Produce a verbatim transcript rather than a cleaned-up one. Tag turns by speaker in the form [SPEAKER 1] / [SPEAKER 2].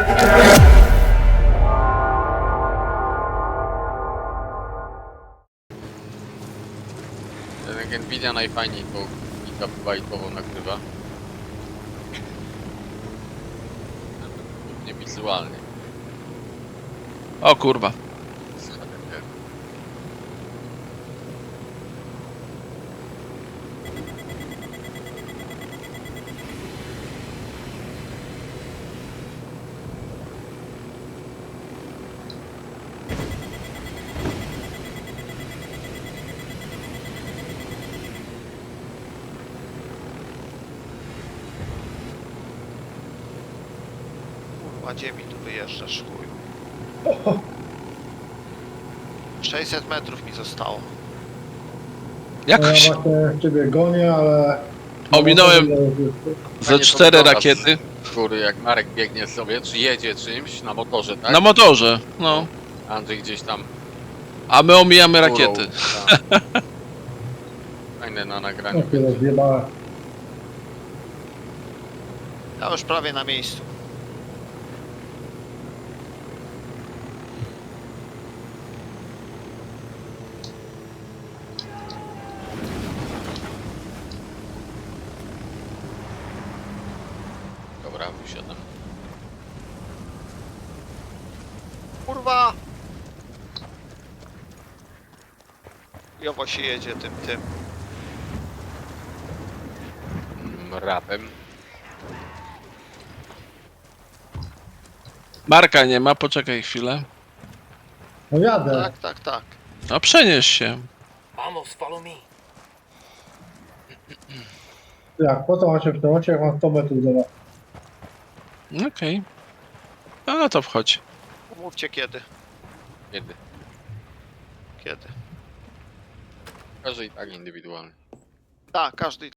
[SPEAKER 1] Ten Nvidia najfajniej tą gigabajtową nagrywa. Nie wizualnie.
[SPEAKER 2] O kurwa.
[SPEAKER 3] Kurwa, gdzie mi tu wyjeżdżasz, chuju? sześćset metrów mi zostało.
[SPEAKER 2] Jakoś
[SPEAKER 4] Ja właśnie ciebie gonię, ale...
[SPEAKER 2] ominąłem ze
[SPEAKER 1] Fajnie to
[SPEAKER 2] cztery
[SPEAKER 1] wygląda
[SPEAKER 2] rakiety.
[SPEAKER 1] z góry, jak Marek biegnie sobie, czy jedzie czymś na motorze, tak?
[SPEAKER 2] Na motorze, no.
[SPEAKER 1] Andrzej gdzieś tam
[SPEAKER 2] A my omijamy
[SPEAKER 1] górą,
[SPEAKER 2] rakiety.
[SPEAKER 1] tak. Fajne na nagraniu.
[SPEAKER 4] Ja się rozjebałem.
[SPEAKER 3] Ja już prawie na miejscu.
[SPEAKER 1] Dobra, wysiadam.
[SPEAKER 3] Kurwa! Jowo się jedzie tym, tym.
[SPEAKER 1] Mm, Rapem.
[SPEAKER 2] Marka nie ma, poczekaj chwilę.
[SPEAKER 4] No jadę.
[SPEAKER 3] Tak, tak, tak.
[SPEAKER 2] No przenieś się.
[SPEAKER 5] Vamos, follow me.
[SPEAKER 4] Jak, po co mam się w tym momencie, jak mam sto metrów do was?
[SPEAKER 2] Okej. Okay. No to wchodź.
[SPEAKER 3] Mówcie kiedy.
[SPEAKER 1] Kiedy?
[SPEAKER 3] Kiedy.
[SPEAKER 1] Każdy i tak indywidualny.
[SPEAKER 3] Tak, każdy